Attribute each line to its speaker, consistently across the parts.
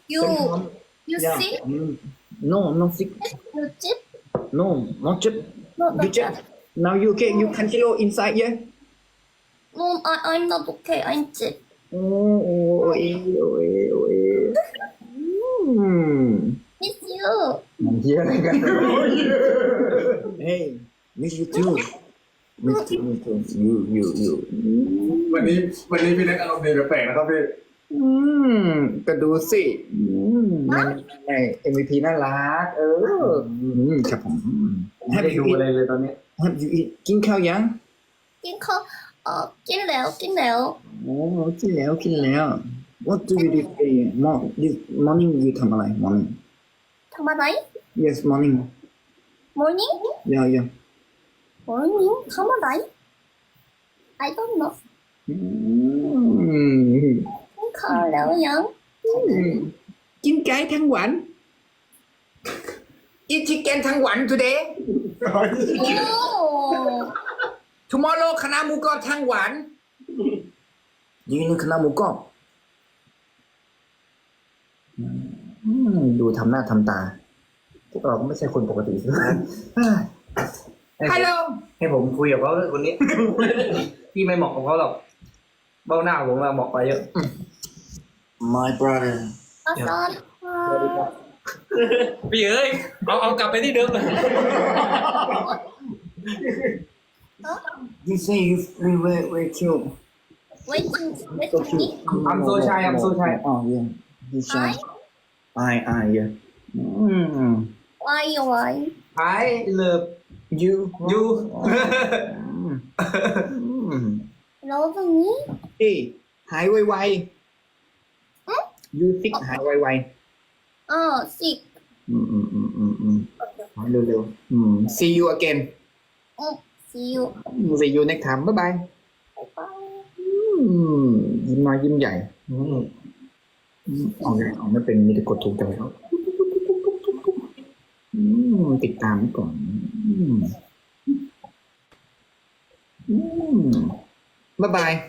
Speaker 1: You you
Speaker 2: Yeah.
Speaker 1: sick?
Speaker 2: No, not sick.
Speaker 1: You chip?
Speaker 2: No, not chip.
Speaker 1: No,
Speaker 2: You
Speaker 1: not
Speaker 2: chip.
Speaker 1: that.
Speaker 2: Now you okay? You can hello inside, yeah?
Speaker 1: No, I'm not okay. I'm chip.
Speaker 2: Oh,
Speaker 1: Miss you.
Speaker 2: Yeah, I got Hey, miss you too. Miss you too. You.
Speaker 3: วันนี้พี่เล็กอารมณ์ดีแปลกๆนะครับพี่
Speaker 2: ก็ดูสินั่นไง MVP น่ารัก ครับผม
Speaker 3: ไม่ได้ดูอะไรเลยตอนนี้
Speaker 2: Have you eat กินข้าวยัง
Speaker 1: กินข้าวกินแล้วกินแล้ว
Speaker 2: โอ้กินแล้ว What do you do today? This morning you ทำอะไร morning
Speaker 1: ทำอะไร
Speaker 2: Yes morning
Speaker 1: Morning
Speaker 2: Yeah
Speaker 1: Morning ทำอะไร I don't know กินข้าวแล้วยัง
Speaker 2: กินไก่ทั้งวัน Eat chicken ทั้งวัน today Tomorrow คณะหมูกรอบทั้งวันยืนคณะหมูกรอบดูทำหน้าทำตาพวกเราก็ไม่ใช่คนปกติใช่ไหมฮัลโหล
Speaker 3: ให้ผมคุยกับเขาคนนี้ พี่ไม่เหมาะกับเขาหรอกเบ้าหน้าผมมาเหมาะไปเยอะ
Speaker 2: My brother
Speaker 1: อาซอน
Speaker 3: พี่เอ้ยเอากลับไปที่เดิมเลย
Speaker 2: You say you very cute
Speaker 1: waiting
Speaker 2: so
Speaker 1: waiting me
Speaker 2: cute
Speaker 3: I'm so shy
Speaker 2: Oh yeah he's shy I yeah
Speaker 1: why
Speaker 3: I love
Speaker 2: you
Speaker 3: you
Speaker 1: love me
Speaker 2: พี่หายไวๆ You sick หายไว
Speaker 1: sick
Speaker 2: ๆหายเร็วๆSee you again
Speaker 1: see you
Speaker 2: See you next time bye bye
Speaker 1: bye bye
Speaker 2: ยิ้มน้อยยิ้มใหญ่เอาไงเอาไม่เป็นมีแต่กดถูกใจเขาติดตามไว้ก่อนบ๊ายบาย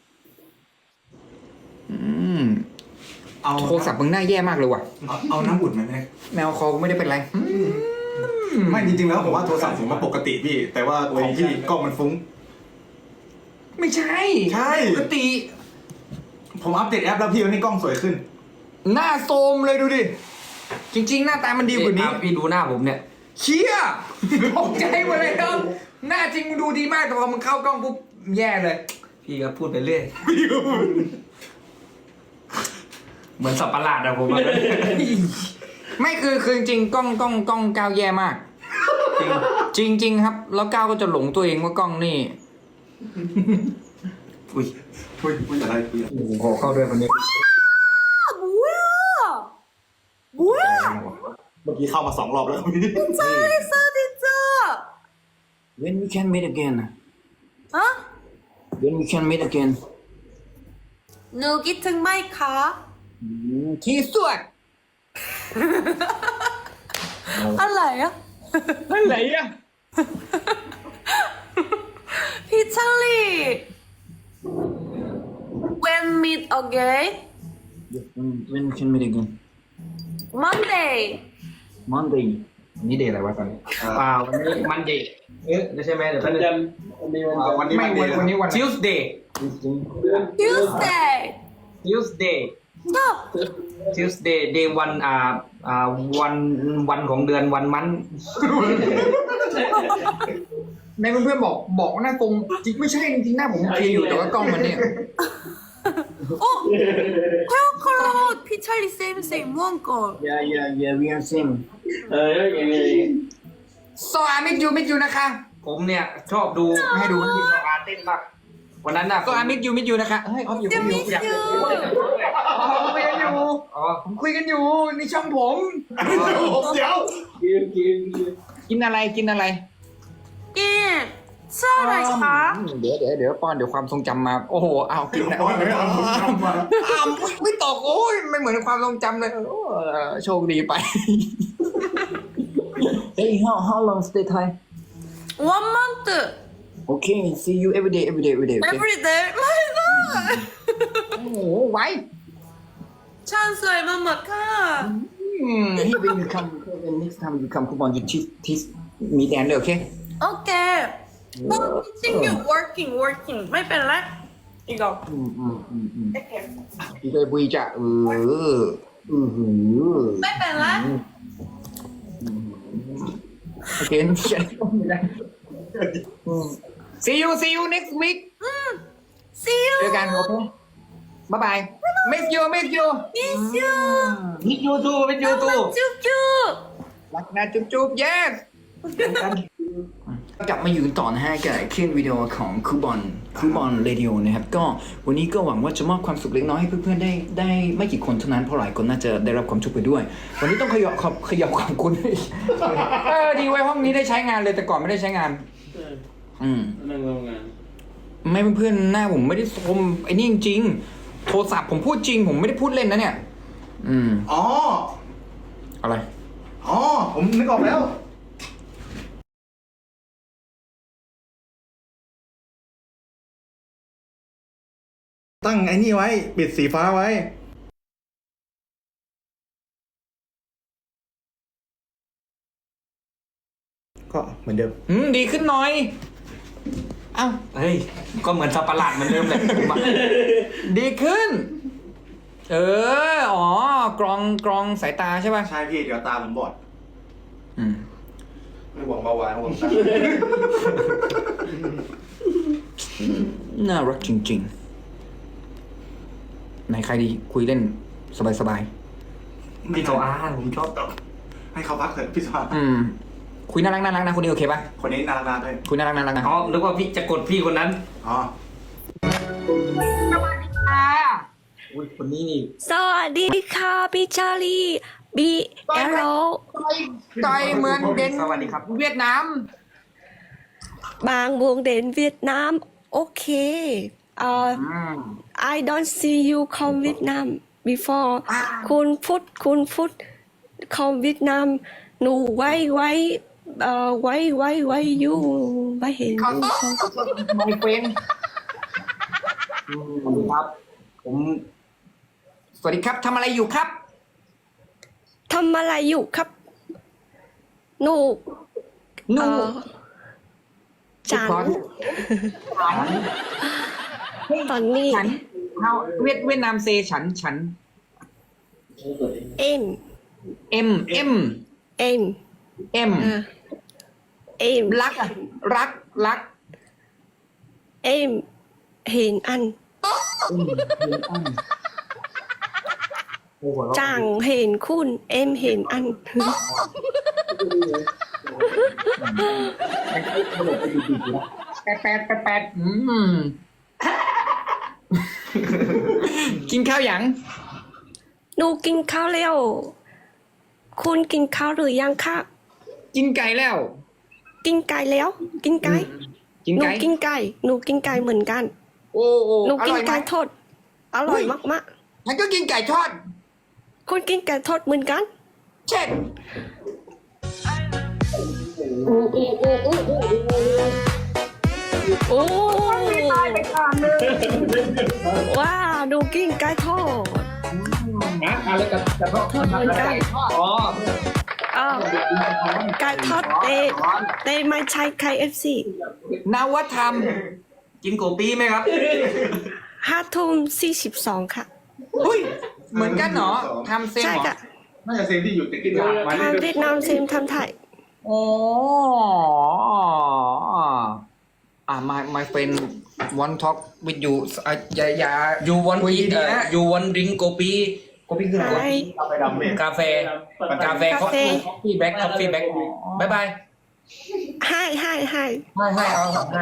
Speaker 2: โทรศัพท์มึงหน้าแย่มากเลยว่ะ
Speaker 4: เอาน้ำอุ่นไหมแม่
Speaker 2: แมวคอกูไม่ได้เป็นไร
Speaker 4: ไม่จริงๆแล้วผมว่าโทรศัพท์ผมมันปกติพี่ แต่ว่าของพี่กล้องมันฟุ้ง
Speaker 2: ไม่ใช่
Speaker 4: ใช่
Speaker 2: ปกติ
Speaker 4: ผมอัปเดตแอปแล้วพี่วันนี้กล้องสวยขึ้น
Speaker 2: หน้าโทรมเลยดูดิ จริง ๆ หน้าตามันดีกว่านี้
Speaker 3: พี่ดูหน้าผมเนี่ย
Speaker 2: เชี่ยตกใจหมดเลยครับ หน้าจริงมึงดูดีมากแต่พอมึงเข้ากล้องปุ๊บแย่เลย
Speaker 3: พี่ก็พูดไปเรื่อย เหมือนสับประหลาดอะผมอะ
Speaker 2: ไม่คือจริงๆกล้องก้าวแย่มาก จริงครับ แล้วก้าวก็จะหลงตัวเองว่ากล้องนี่
Speaker 4: อุ้ยอะไรพี่
Speaker 2: โอ้โหขอเข้าด้วยคนนี้
Speaker 1: 뭐야
Speaker 4: เมื่อกี้เข้ามา2 รอบแล้วพี่
Speaker 1: 잘했어 진짜
Speaker 2: When we can meet again
Speaker 1: 어?
Speaker 2: When we can meet again
Speaker 1: 누기 등마이카
Speaker 2: ที่สุด
Speaker 1: 알라요?
Speaker 2: อะไรอ่ะ
Speaker 1: 피찰리 When meet again?
Speaker 2: When we can meet again
Speaker 1: Monday
Speaker 2: Monday นี่เดย์อะไรวะตอนนี้
Speaker 3: เปล่าวันนี้มันเดย์ไม่ใช่ไหมเดี๋ยววันจันทร์วันนี้
Speaker 4: วันนี้
Speaker 2: ไม่
Speaker 4: วันเดียว
Speaker 2: วันนี้วัน
Speaker 3: Tuesday
Speaker 1: Tuesday
Speaker 3: Tuesday
Speaker 1: Stop
Speaker 3: Tuesday day วันวันของเดือนวันมัน
Speaker 2: ในเพื่อนๆบอกว่าหน้าตรงจริงไม่ใช่จริงๆหน้าผมโอเคอยู่แต่ว่ากล้องมันเนี่ย
Speaker 1: 헤어 컬러 피찰리 쌤쌤 무언걸
Speaker 2: Yeah we are same So I meet you นะคะ
Speaker 3: ผมเนี่ยชอบดูให้ดูทีมอาร์เต้นมากวันนั้นน่ะ
Speaker 2: So I meet you นะคะเฮ้ยออฟอยู่
Speaker 1: 미스
Speaker 2: ผมคุยกันอยู่นี่ช่องผม
Speaker 4: เดี๋ยว
Speaker 2: กินอะไร
Speaker 1: 예 수아라이카
Speaker 2: เดี๋ยวป้อนเดี๋ยวความทรงจำมา โอ้โหเอากินนะ
Speaker 4: เอาเลยเอาผมจำมา
Speaker 2: ไม่ตกโอ้ยไม่เหมือนความทรงจำเลยโชคดีไป Hey how long stay Thai
Speaker 1: one month
Speaker 2: Okay see you every day okay
Speaker 1: every day my god
Speaker 2: โอ้โหไว้
Speaker 5: ฉันสวยมากๆค่ะ
Speaker 2: He will come when next time you come coupon you teach me and okay
Speaker 5: โอเคบอกจริงอยู่ working ไม่เป็นไรอีกแล้วโอเค
Speaker 2: อีกเลยบุยจะ
Speaker 5: ไม่เป็นไร
Speaker 2: โอเคsee you next week
Speaker 5: see you
Speaker 2: เจอกันโอเคบ๊ายบาย miss you
Speaker 5: miss you
Speaker 3: Meet you too Meet you too
Speaker 5: จุ๊บจุ๊บ
Speaker 2: รักนะจุ๊บ yes กลับมาอยู่กันต่อนะฮะกับคลื่นวิดีโอของคูบอนเรดิโอนะครับก็วันนี้ก็หวังว่าจะมอบความสุขเล็กน้อยให้เพื่อนๆได้ไม่กี่คนเท่านั้นเพราะหลายคนน่าจะได้รับความทุกข์ไปด้วย วันนี้ต้องขยับขอบคุณดีไว้ห้องนี้ได้ใช้งานเลยแต่ก่อนไม่ได้ใช้งาน
Speaker 6: นั่งทำงาน
Speaker 2: ไม่เพื่อนๆหน้าผมไม่ได้ชมไอ้นี่จริงๆโทรศัพท์ผมพูดจริงผมไม่ได้พูดเล่นนะเนี่ย
Speaker 4: อ๋อ
Speaker 2: อะไร
Speaker 4: อ๋อ ผมนึกออกแล้ว ตั้งไอ้นี่ไว้ ปิดสีฟ้าไว้ ก็เหมือนเดิม
Speaker 2: ดีขึ้นหน่อยเอ้า
Speaker 3: เฮ้ยก็เหมือนสับประหลาดเหมือนเดิมแหละ
Speaker 2: ดีขึ้นกรองสายตาใช่ป่ะ
Speaker 4: ใช่พี่ เดี๋ยวตาผมบอด ไม่หวังเบาหวานหวังตา
Speaker 2: น่ารักจริงๆไหนใครดีคุยเล่นสบาย
Speaker 3: พี่โจอาผมชอบ
Speaker 4: ให้เขาพักเถอะพี่สวา
Speaker 2: ๆคุยน่ารักนะคนนี้โอเคป่ะ
Speaker 4: คนนี้น่ารักด้วย
Speaker 2: คุยน่ารักนะ
Speaker 3: อ๋อนึกว่าพี่จะกดพี่คนนั้น
Speaker 4: อ๋อ
Speaker 3: อุ้ยคนนี้นี่
Speaker 5: สวัสดีค่ะพี่ชาลีบีเอโร
Speaker 2: ใจเหมือนเด่น
Speaker 3: สวัสดีครับ
Speaker 2: เวียดนาม
Speaker 5: บางวงเด่นเวียดนามโอเคI don't see you come Vietnam before คุณพุทธ come Vietnam หนูไว้อยู่ไม่เห็น
Speaker 2: my friend
Speaker 3: ครับ
Speaker 2: สวัสดีครับทำอะไรอยู่ครับ
Speaker 5: ทำอะไรอยู่ครับหนูจันตอนนี้
Speaker 2: ฉันเวียดนามเซฉัน
Speaker 5: เอ็ม
Speaker 2: รักอะรัก
Speaker 5: เอ็มเห็นอันจังเห็นคุณเอ็มเห็นอัน
Speaker 2: แปดกินข้าวยัง
Speaker 5: หนูกินข้าวแล้วคุณกินข้าวหรือยังคะ
Speaker 2: กินไก่แล้ว
Speaker 5: กินไก่แล้วกินไก่
Speaker 2: กิน
Speaker 5: หนู
Speaker 2: ไก่
Speaker 5: กินไก่หนูกินไก่เหมือนกัน
Speaker 2: โอ้
Speaker 5: หนู
Speaker 2: อ
Speaker 5: กิ
Speaker 2: ร่
Speaker 5: น
Speaker 2: อยไหม
Speaker 5: ไก่ทอดอร่อยมาก
Speaker 2: ฉันก็กินไก่ทอด
Speaker 5: ๆคุณกินไก่ทอดเหมือนกัน
Speaker 2: เช่น
Speaker 5: โอ้ว้าหนูกินไก่ทอด
Speaker 3: อะไรกับจะทอด
Speaker 5: ทอดเหมือนกัน
Speaker 3: อ๋อ
Speaker 5: ไก่ทอดเตไม่ใช่ไข่FC
Speaker 2: นวัฒน
Speaker 3: กินโกปีไหมครับ
Speaker 5: 5:42ค่ะ
Speaker 2: เฮ้ยเหมือนกันเหรอทำเซม
Speaker 5: ใช่
Speaker 2: เหรอ
Speaker 5: ค่ะ
Speaker 4: น่าจะเซฟที่อยู่ติดกินหลังมา
Speaker 5: ทำเวียดนามเซมทำไทย
Speaker 2: โอ้my friend want talk with you อย่า
Speaker 3: you want
Speaker 2: คุยดีๆนะ
Speaker 3: you want drink โกปีโกปีคืออะไร
Speaker 4: ไปดำเนี่ย
Speaker 3: กาแฟ
Speaker 5: กาแฟ
Speaker 3: coffee back coffee back บายบาย
Speaker 5: ให้
Speaker 2: ให้เอา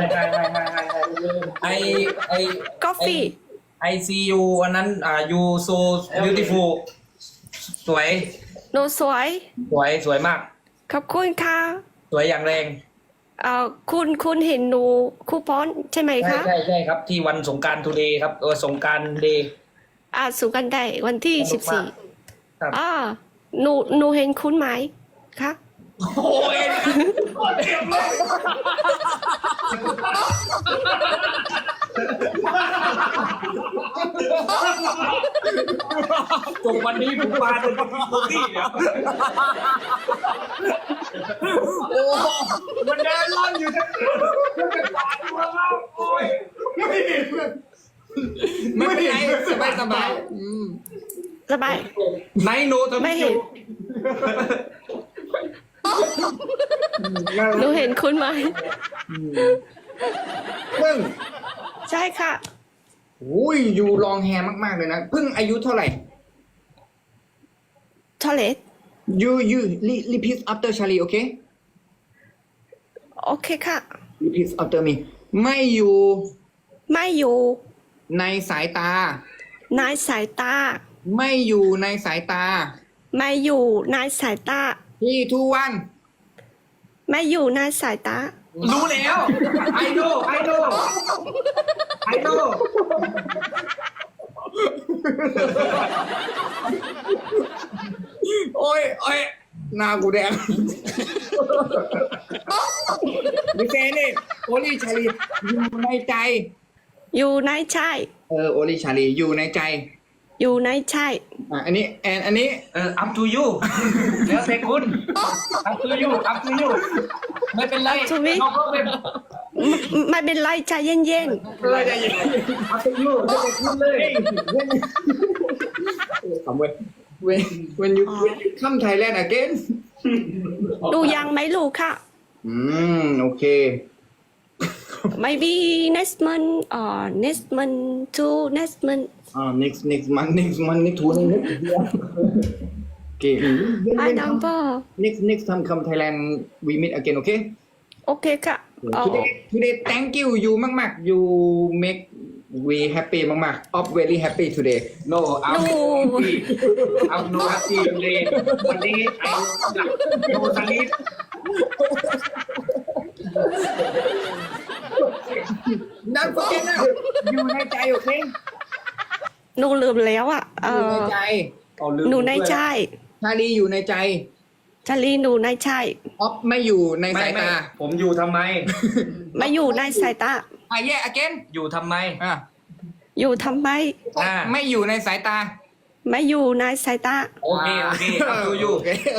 Speaker 3: ไอ
Speaker 5: coffee
Speaker 3: I see you อันนั้นyou so beautiful สวย
Speaker 5: หนูสวย
Speaker 3: สวยมาก
Speaker 5: ขอบคุณค่ะ
Speaker 3: สวยอย่างแรง
Speaker 5: คุณเห็นหนูคูปองใช่ไหมคะ
Speaker 3: ใช่ครับที่วันสงกรานต์ทูเดย์ครับสงกรานต์เดย์
Speaker 5: สุกันได้วันที่
Speaker 3: สนุกมาก ครับ
Speaker 5: 14หนูเห็นคุณไหมคะ
Speaker 3: โอ้ยจบวันนี้ผมปาโดนโคตี้เนี่ย
Speaker 2: มันเดินล่อนอยู่ทั้งไม่เป็นไรสบายสบาย
Speaker 5: สบาย
Speaker 3: ไนโนทำ
Speaker 5: ไม่เห็นหนูเห็นคุณไหม
Speaker 2: เพิ่ง
Speaker 5: ใช่ค่ะ
Speaker 2: อุ้ยอยู่ลองแฮร์มากๆเลยนะเพิ่งอายุเท่าไหร่
Speaker 5: ทอเลต
Speaker 2: you repeat after Charlie okay
Speaker 5: โอเคค่ะ
Speaker 2: repeat after me ไม่อยู่
Speaker 5: ไม่อยู่
Speaker 2: ในสายตา
Speaker 5: ในสายตา
Speaker 2: ไม่อยู่ในสายตา
Speaker 5: ไม่อยู่ในสายตา
Speaker 2: ที่ทุกวัน
Speaker 5: ไม่อยู่ในสายตา
Speaker 3: รู้แล้วไอโน่ไอโน่ไอโน่
Speaker 2: โอ้ยหน้ากูแดงดิเซนี่โอลี่ชาลีอยู่ในใจ
Speaker 5: อยู่ในใจ
Speaker 2: โอลี่ชาลีอยู่ในใจ
Speaker 5: อยู่ในใจ
Speaker 2: อันนี้อันนี้
Speaker 3: up to you แล้วแต่คุณ up to you up to you ไม่เป็นไร
Speaker 5: ทวิต
Speaker 3: no problem
Speaker 5: ไม่เป็นไรใจเย็น
Speaker 2: เลยใจเย็น
Speaker 3: up to you แล้วแต่คุณเลย
Speaker 2: ขำเว้ย when you come Thailand again
Speaker 5: ๆดูยังไม่รู้ค่ะ
Speaker 2: โอเค
Speaker 5: maybe next month or next month to next month
Speaker 2: next month next two next year โอเค
Speaker 5: I number
Speaker 2: next time come Thailand we meet again okay
Speaker 5: โอเคค่ะอ๋อ
Speaker 2: today thank you มากๆ you make we happy มากๆ of very happy today
Speaker 3: no I'm
Speaker 5: No.
Speaker 3: happy I'm no happy เลยวันนี้ไอ้โนสลิป
Speaker 2: Don't forget นะอยู่ในใจโอเค
Speaker 5: หนูลืมแล้วอ่ะ
Speaker 2: อยู่ในใจ
Speaker 5: หนูในใจ
Speaker 2: ชาลีอยู่ในใจ
Speaker 5: ชาลีหนูในใจ
Speaker 2: ออฟไม่อยู่ใน
Speaker 3: ไม่
Speaker 2: สาย
Speaker 3: ไม่
Speaker 2: ตา
Speaker 3: ผมอยู่ทำไม
Speaker 5: ไม่อยู่ในสายตา
Speaker 2: again
Speaker 3: อยู่ทำไม
Speaker 5: อยู่ทำไม
Speaker 2: ไม่อยู่ในสายตา
Speaker 5: ไม่อยู่ในสายตา
Speaker 3: โอเค up to you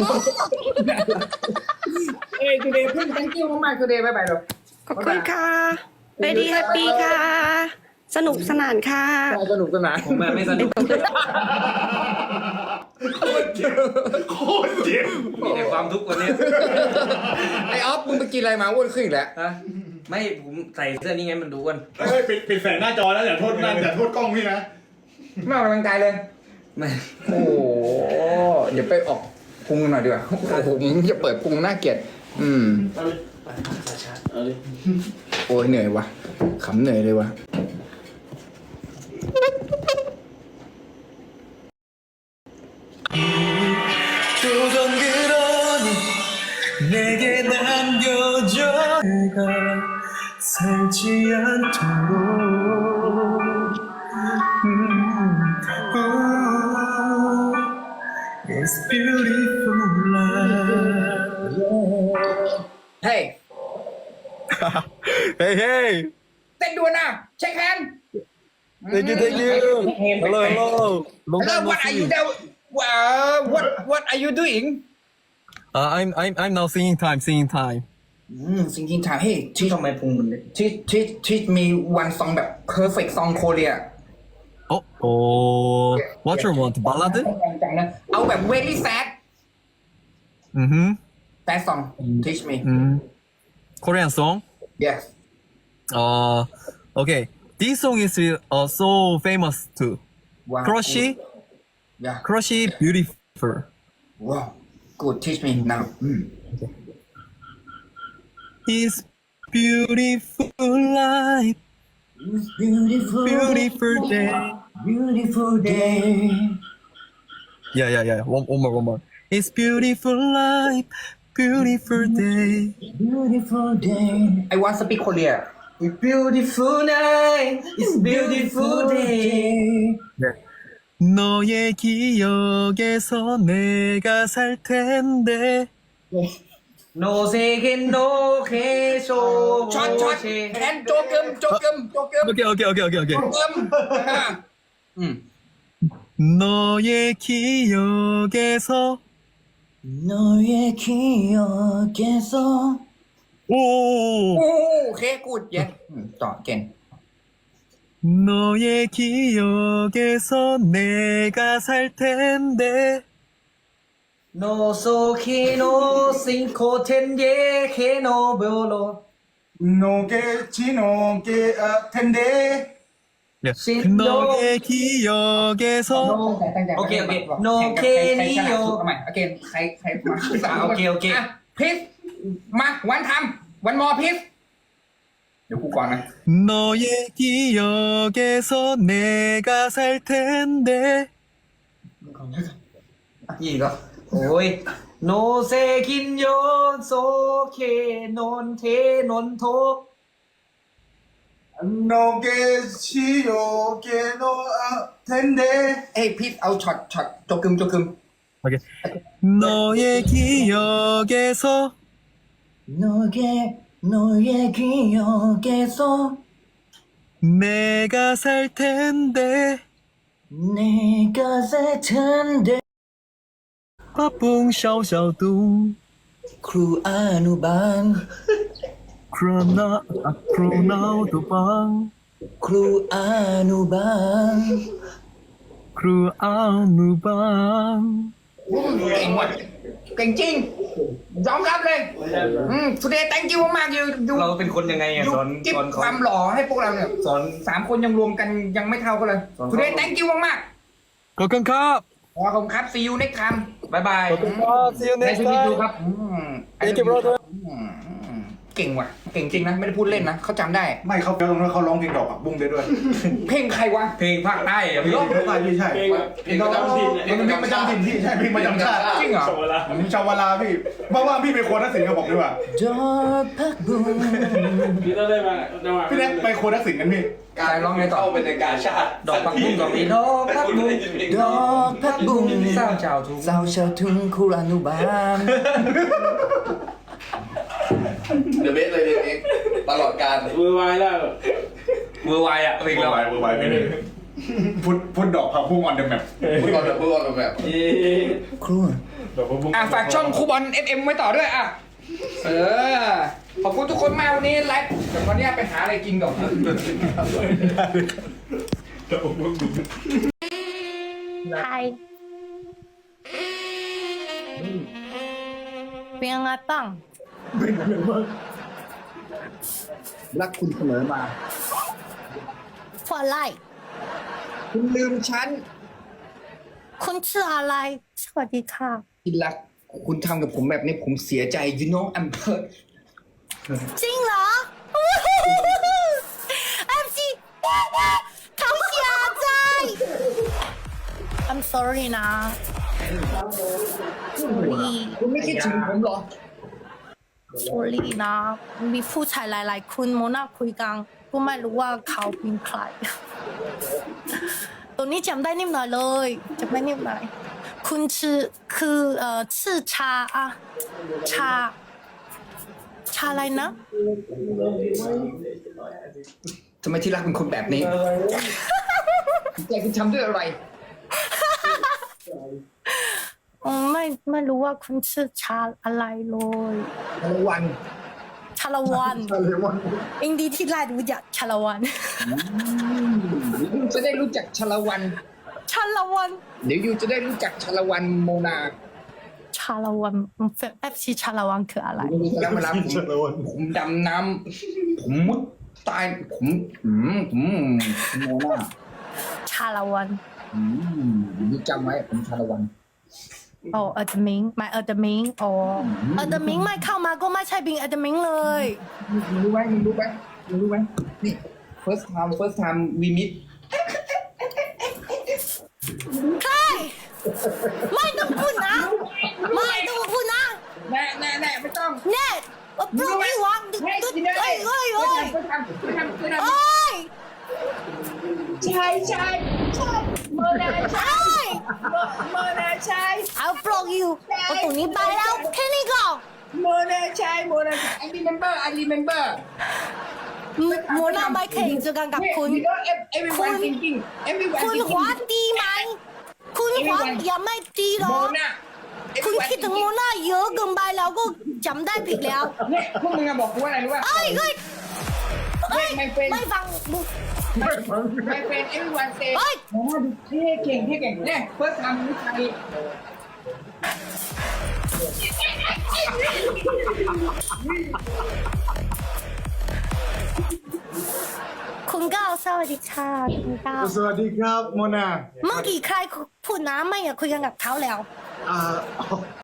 Speaker 2: today เพิ่ง thank you มากๆ today บ๊ายบายเลย
Speaker 5: ขอบคุณค่ะ very happy ค่ะ สนุกสนานค่ะ
Speaker 2: สนุกสนาน
Speaker 3: ผมไม่สนุก
Speaker 4: โคตรเจ็บ
Speaker 3: มีแต่ความทุกข์วันนี้
Speaker 2: ไอออฟมึงไปกินอะไรมาอ้วนขึ้นอีกแล้ว
Speaker 3: ฮะไม่ผมใส่เสื้อนี้ไงมันดูอ้วน
Speaker 4: เฮ้ยปิดแสงหน้าจอแล้วอย่าโทษนั่นอย่าโทษกล้องพี่นะ
Speaker 2: ไม่ออกกำลังกายเลย
Speaker 3: ไม่
Speaker 2: โอ้โหเดี๋ยวไปออกพุงหน่อยดีกว่า โอ้โหมึงจะเปิดพุงน่าเกลียด
Speaker 6: เอาเลยไปสายชาร์จเอาเลย
Speaker 2: โอ้ยเหนื่อยวะขำเหนื่อยเลยวะ
Speaker 7: 조금 그러니 내게 남겨줘 내가 살지 않도록 It's beautiful life
Speaker 2: Hey
Speaker 7: Hey hey
Speaker 2: เต้นด่วนนะเช็คแฮนด์
Speaker 7: Thank you Hello hello Long
Speaker 2: Hello
Speaker 7: time no
Speaker 2: what are you
Speaker 7: see
Speaker 2: doing what are you doing
Speaker 7: I'm now singing time
Speaker 2: thinking time hey
Speaker 3: ทำไมพุงมันเล็ก
Speaker 2: teach me one song แบบ perfect song Korea
Speaker 7: What you want ballad
Speaker 2: จังนะเอาแบบ very sad sad song teach me
Speaker 7: Korean song
Speaker 2: yes
Speaker 7: Okay this song is so famous too
Speaker 2: wow
Speaker 7: Crushy
Speaker 2: yeah
Speaker 7: Crushy beautiful
Speaker 2: wow good teach me now
Speaker 7: It's beautiful life beautiful day
Speaker 2: beautiful day
Speaker 7: Yeah one more It's beautiful life beautiful day
Speaker 2: beautiful day I want speak Korea
Speaker 3: It's beautiful night It's beautiful day
Speaker 7: 너의 기억에서 내가 살 텐데
Speaker 3: โนเซเคนโนเคโซ
Speaker 2: ช็อตแอนโจกึม
Speaker 7: 오케이 오케이 오케이 오케이 오케이.
Speaker 2: อืม
Speaker 7: 너의 기억에서
Speaker 2: 너의 기억에서
Speaker 7: 오
Speaker 2: โอเคกูดเย็นต่อเก่ง
Speaker 7: 너의 기억에서 내가 살 텐데
Speaker 3: โนโซเคโนซิงโคเทนเยเคโนเบโล
Speaker 4: 노게 지노게 텐데
Speaker 7: 너의 기억에서
Speaker 3: โอเคโนเคนิโย
Speaker 2: ทำไมโอเคใครมา
Speaker 3: โอเค
Speaker 2: พิสมาวันทำวันมอพิสเดี๋ยวกูก่อนนะ
Speaker 7: 너의 기억에서 내가 살 텐데
Speaker 3: ยี่ก็โอ้ยโนเซคินโยโซเคนนเทนนโท
Speaker 4: 노게 지요게 노 텐데
Speaker 2: เอ้ยพิสเอาช็อตโจกึม
Speaker 7: 오케이. 너의 기억에서
Speaker 2: 너의 기억에서
Speaker 7: 내가 살 텐데
Speaker 2: 내가 살 텐데
Speaker 7: 빠뿡 샤오샤오뚱
Speaker 2: ครูอนุบาล
Speaker 7: 크로나우도방
Speaker 2: ครูอนุบาล
Speaker 7: 크루아누방
Speaker 2: เก่งว่ะเก่งจริงยอมรับเลยtoday thank you มากๆอยู่
Speaker 3: เราเป็นคนยังไงอ่ะ
Speaker 2: อยู่
Speaker 3: สอน
Speaker 2: จิ๊บ
Speaker 3: สอน
Speaker 2: ค
Speaker 3: เขา
Speaker 2: วามหล่อให้พวกเราเนี่ย
Speaker 3: สอน
Speaker 2: 3 คนยังรวมกันยังไม่เท่ากันเลย
Speaker 3: สอนเขา
Speaker 2: today thank you มาก
Speaker 7: 거큰캅
Speaker 2: ๆขอบคุณครับ see you next time
Speaker 3: บายบาย
Speaker 7: 거큰캅 see you
Speaker 2: ใน
Speaker 7: next
Speaker 2: ชีวิตดู
Speaker 7: time
Speaker 2: ครับ
Speaker 7: Thank you brother
Speaker 2: เก่งว่ะเก่งจริงนะไม่ได้พูดเล่นนะเขาจำได้
Speaker 4: ไม่เขาตรงนั้นเขาร้องเพลงดอกผักบุ้งได้ด้วย
Speaker 2: เพลงใครวะ
Speaker 3: เพลงภาคใต้อ่ะพี่
Speaker 4: ร้องเพลงอะไรพี่ใช่
Speaker 6: เพลงประจำถิ่น
Speaker 4: เพลงประจำถิ่นพี่ใช่เพลงประจำชาติ
Speaker 2: จริงเหรอ
Speaker 6: ส่งเวลา
Speaker 4: ชาววาลาพี่ว่างๆพี่ไปโคนทักษิณกับผมดีกว่า
Speaker 2: ดอกพักบุ้ง
Speaker 6: พี่ต้องได้มาจังหวะ
Speaker 4: พี่แน็กไปโคนทักษิณกันพี่
Speaker 2: การร้องไงต่อ
Speaker 6: เข้าเป็นในการชาติ
Speaker 3: ดอกผักบุ้งดอกนี้ดอกผักบุ้ง
Speaker 2: ดอกพักบุ้ง
Speaker 3: สร้างชาวทุ่ง
Speaker 2: สาวชาวทุ่งครูอนุบาล
Speaker 6: เดอะเบสเลยเพลงนี้ตลอดการมือวายแล้ว
Speaker 3: เวอร์ไวอ่ะเพลงเรา
Speaker 4: เบอร์ไวเพลงนี้พุทดอกผักบุ้งออนเดอะแมป
Speaker 6: พูดก่อนแบบ
Speaker 2: ครู
Speaker 4: ดอกผักบุ้ง
Speaker 2: ฝากช่องครูบอล FM ไว้ต่อด้วยขอบคุณทุกคนมากวันนี้ไลฟ์เดี๋ยววันนี้ไปหาอะไรกินก่อน
Speaker 8: Hi เป็นยังไงบ้าง
Speaker 2: รักคุณเสมอมา
Speaker 8: Forอะไร
Speaker 2: คุณลืมฉัน
Speaker 8: คุณชื่ออะไร สวัสดีค่ะ
Speaker 2: ที่รักคุณทำกับผมแบบนี้ผมเสียใจ you know I'm hurt
Speaker 8: จริงเหรอ MC เขาเสียใจ I'm sorry นะ sorry
Speaker 2: คุณไม่คิดถึงผมเหรอ
Speaker 8: sorry นะ มีผู้ชายหลายๆคนโมนาคุยกันก็ไม่รู้ว่าเขาเป็นใคร ตัวนี้จำได้นิดหน่อยเลยจำได้นิดหน่อยคุณคือชื่อชาอะชาอะไรนะ
Speaker 2: ทำไมที่รักเป็นคนแบบนี้ ใจคุณทำด้วยอะไร
Speaker 8: ไม่รู้ว่าคุณชื่อชาอะไรเลย
Speaker 2: ชาละวัน
Speaker 8: ชาละวันอินดีที่ไรรู้จักชาละวัน
Speaker 2: ยูจะได้รู้จักชาละวัน
Speaker 8: ชาละวัน
Speaker 2: เดี๋ยวยูจะได้รู้จักชาละวันโมนา
Speaker 8: ชาละวัน FC ชาละวันคืออะไร
Speaker 2: แล้วเวลาผมดำน้ำผมมุดตายผมโมนา
Speaker 8: ชาละวัน
Speaker 2: ยูจำไว้ผมชาละวัน
Speaker 8: อ๋อเอเดมิงไม่เอเดมิงอ๋อเอเดมิงไม่เข้ามาก็ไม่ใช่บิงเอเดมิงเลย
Speaker 2: มึงรู้ไหมนี่ first time we meet
Speaker 8: ใครไม่ต้องพูดนะ ไม่ต้องพูดนะ
Speaker 2: แน่ไม่ต้อง
Speaker 8: เน็ตว่าโปรไม่วางดึก
Speaker 2: เฮ้ย
Speaker 8: ดึก
Speaker 2: กินได้
Speaker 8: เอ้ยเอ้ยเอ้ย
Speaker 2: ไปทำ
Speaker 8: เอ้ย
Speaker 1: ใช่โมนาใช่ โมนาใช่
Speaker 8: เอาโปรอยู่เอาตรงนี้ไปแล้วแค่นี้ก่อน
Speaker 1: โมนา
Speaker 9: ใช่โมนา I remember
Speaker 8: โมนาไม่เคยเจอกันกับคุณ
Speaker 9: everyone thinking
Speaker 8: คุณหัวดีไหมคุณหัวยังไม่ดีหร
Speaker 9: โม
Speaker 8: อ
Speaker 9: นา
Speaker 8: คุณคิดถึงโมนาเยอะเกินไปแล้วก็จำได้ผิดแล้ว
Speaker 9: เนี่ยพวกมึงอะบอกกูว่าอะไรรู้ป่ะ
Speaker 8: เอ้ยไม่ฟัง
Speaker 9: My friend everyone say
Speaker 8: เฮ้ย
Speaker 9: โมนาดูเท่เก่งเนี่ยเฟิร์สทำวิชัย
Speaker 8: คุณก้าวสวัสดีค่ะคุณก้าว
Speaker 4: สวัสดีครับโมนา
Speaker 8: เมื่อกี้ใครพูดน้ำไม่อยากคุยกันกับเขาแล้ว